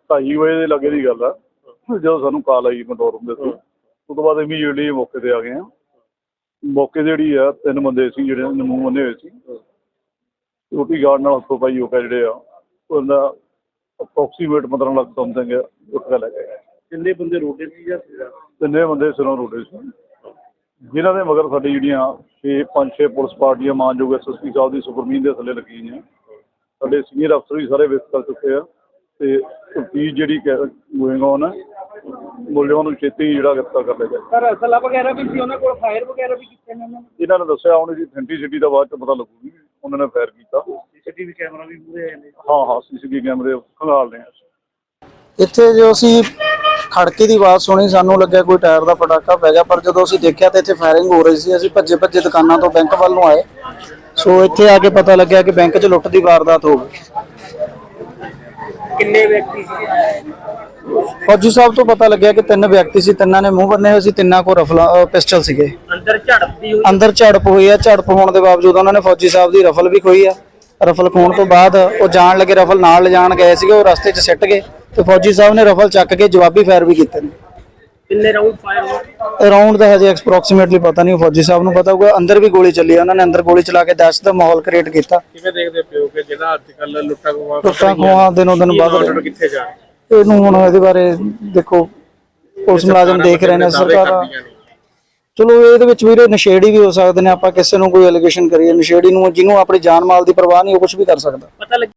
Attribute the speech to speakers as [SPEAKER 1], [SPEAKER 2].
[SPEAKER 1] 2:30 ਵਜੇ ਦੇ ਲਾਗੇ ਦੀ ਗੱਲ ਆ, ਜਦੋਂ ਸਾਨੂੰ ਕਾਲ ਆਈ ਕੰਟਰੋਲ ਰੂਮ ਦੇ ਥਰੂ। ਉਸ ਤੋਂ ਬਾਅਦ ਇਮੀਡੀਏਟਲੀ ਮੌਕੇ 'ਤੇ ਆ ਗਏ ਹਾਂ। ਮੌਕੇ 'ਤੇ ਜਿਹੜੀ ਆ 3 ਬੰਦੇ ਸੀ ਜਿਹੜੇ ਮੂੰਹ ਬੰਨੇ ਹੋਏ ਸੀ, ਸਿਕਿਉਰਟੀ ਗਾਰਡ ਨਾਲ ਹੱਥੋਂ ਪਾਈ ਹੋ ਕੇ ਜਿਹੜੇ ਆ ਉਹਦਾ ਅਪਰੋਕਸੀਮੇਟ 15 ਲੱਖ ਸਮਥਿੰਗ ਉੱਠ ਕੇ ਲੈ ਗਏ।
[SPEAKER 2] ਕਿੰਨੇ ਬੰਦੇ ਰੋਡੇ ਸੀ ਜਾਂ
[SPEAKER 1] 3 ਬੰਦੇ ਸਿਰੋਂ ਰੋਡੇ ਸੀ, ਜਿਨ੍ਹਾਂ ਦੇ ਮਗਰ ਸਾਡੀ ਜਿਹੜੀਆਂ 5-6 ਪੁਲਿਸ ਪਾਰਟੀਆਂ ਮਾਨਯੋਗ SSP ਸਾਹਿਬ ਦੀ ਸੁਪਰਮੀਨ ਦੇ ਥੱਲੇ ਲੱਗੀ ਹੋਈਆਂ। ਸਾਡੇ ਸੀਨੀਅਰ ਅਫਸਰ ਵੀ ਸਾਰੇ ਵਿਜ਼ਿਟ ਕਰ ਚੁੱਕੇ ਆ ਅਤੇ ਤਫਤੀਸ਼ ਜਿਹੜੀ ਗੋਇੰਗ ਔਨ ਹੈ। ਮੁਲਜ਼ਮਾਂ ਨੂੰ ਛੇਤੀ ਜਿਹੜਾ ਗ੍ਰਿਫਤਾਰ ਕਰ ਲਿਆ ਜਾਏ।
[SPEAKER 2] ਸਰ ਅਸਲਾ ਵਗੈਰਾ ਵੀ ਸੀ ਉਹਨਾਂ ਕੋਲ, ਫਾਇਰ ਵਗੈਰਾ ਵੀ ਕੀਤੇ ਨੇ ਉਹਨਾਂ ਨੇ?
[SPEAKER 1] ਇਹਨਾਂ ਨੇ ਦੱਸਿਆ ਹੁਣ ਇਹਦੀ ਅਥੈਂਟਿਸਿਟੀ ਦਾ ਬਾਅਦ 'ਚ ਪਤਾ ਲੱਗੂਗੀ। ਉਹਨਾਂ ਨੇ ਫਾਇਰ ਕੀਤਾ।
[SPEAKER 2] CCTV ਕੈਮਰਾ ਵੀ ਪੂਰੇ ਆਏ ਨੇ?
[SPEAKER 1] ਹਾਂ CCTV ਕੈਮਰੇ ਖੰਗਾਲ ਰਹੇ ਆ।
[SPEAKER 3] ਇੱਥੇ ਜੋ ਅਸੀਂ ਖੜਕੇ ਦੀ ਆਵਾਜ਼ ਸੁਣੀ, ਸਾਨੂੰ ਲੱਗਿਆ ਕੋਈ ਟਾਇਰ ਦਾ ਪਟਾਕਾ ਪੈ ਗਿਆ, ਪਰ ਜਦੋਂ ਅਸੀਂ ਦੇਖਿਆ ਤਾਂ ਇੱਥੇ ਫਾਇਰਿੰਗ ਹੋ ਰਹੀ ਸੀ। ਅਸੀਂ ਭੱਜੇ ਦੁਕਾਨਾਂ ਤੋਂ ਬੈਂਕ ਵੱਲ ਨੂੰ ਆਏ। ਸੋ ਇੱਥੇ ਆ ਕੇ ਪਤਾ ਲੱਗਿਆ ਕਿ ਬੈਂਕ 'ਚ ਲੁੱਟ ਦੀ ਵਾਰਦਾਤ ਹੋ ਗਈ।
[SPEAKER 2] ਕਿੰਨੇ ਵਿਅਕਤੀ ਸੀ?
[SPEAKER 3] ਫੌਜੀ ਸਾਹਿਬ ਤੋਂ ਪਤਾ ਲੱਗਿਆ ਕਿ 3 ਵਿਅਕਤੀ ਸੀ, 3 ਨੇ ਮੂੰਹ ਬੰਨੇ ਹੋਏ ਸੀ, 3 ਕੋਲ ਪਿਸਟਲ ਸੀਗੇ। ਅੰਦਰ ਝੜਪ ਹੋਈ ਆ। ਝੜਪ ਹੋਣ ਦੇ ਬਾਵਜੂਦ ਉਹਨਾਂ ਨੇ ਫੌਜੀ ਸਾਹਿਬ ਦੀ ਰਫਲ ਵੀ ਖੋਈ ਆ। ਰਫਲ ਖੋਣ ਤੋਂ ਬਾਅਦ ਉਹ ਜਾਣ ਲੱਗੇ, ਰਫਲ ਨਾਲ ਲਿਜਾਣ ਗਏ ਸੀਗੇ, ਉਹ ਰਸਤੇ 'ਚ ਸਿੱਟ ਗਏ ਤੇ ਫੌਜੀ ਸਾਹਿਬ ਨੇ ਰਫਲ ਚੱਕ ਕੇ ਜਵਾਬੀ ਫਾਇਰ ਵੀ ਕੀਤੇ ਨੇ।
[SPEAKER 2] ਕਿੰਨੇ ਰਾਉਂਡ ਫਾਇਰ ਹੋਏ?
[SPEAKER 3] ਰਾਉਂਡ ਦਾ ਹਜੇ ਐਕਸਪ੍ਰੋਕਸੀਮੇਟਲੀ ਪਤਾ ਨਹੀਂ, ਫੌਜੀ ਸਾਹਿਬ ਨੂੰ ਪਤਾ ਹੋਊਗਾ। ਅੰਦਰ ਵੀ ਗੋਲੀ ਚੱਲੀ, ਉਹਨਾਂ ਨੇ ਅੰਦਰ ਗੋਲੀ ਚਲਾ ਕੇ ਦਹਿਸ਼ਤ ਦਾ ਮਾਹੌਲ ਕ੍ਰੀਏਟ ਕੀਤਾ।
[SPEAKER 2] ਕਿਵੇਂ ਦੇਖਦੇ ਪਿਓ ਕਿ ਜਿਹੜਾ ਅੱਜ ਕੱਲ੍ਹ ਲੁੱਟਾਂ
[SPEAKER 3] ਖੋਹਾਂ ਦਿਨੋਂ ਦਿਨ ਵੱਧ ਰਹੇ।
[SPEAKER 2] ਕਿੱਥੇ ਜਾ
[SPEAKER 3] ਇਹਨੂੰ ਹੁਣ ਇਹਦੇ ਬਾਰੇ ਦੇਖੋ ਪੁਲਿਸ ਮੁਲਾਜ਼ਮ ਦੇਖ ਰਹੇ ਨੇ, ਸਰਕਾਰ। ਚਲੋ ਇਹਦੇ ਵਿੱਚ ਵੀਰੇ ਨਸ਼ੇੜੀ ਵੀ ਹੋ ਸਕਦੇ ਨੇ। ਆਪਾਂ ਕਿਸੇ ਨੂੰ ਕੋਈ ਐਲੀਗੇਸ਼ਨ ਕਰੀਏ, ਨਸ਼ੇੜੀ ਨੂੰ ਜਿਹਨੂੰ ਆਪਣੀ ਜਾਨ ਮਾਲ ਦੀ ਪਰਵਾਹ ਨਹੀਂ, ਉਹ ਕੁਝ ਵੀ ਕਰ ਸਕਦਾ।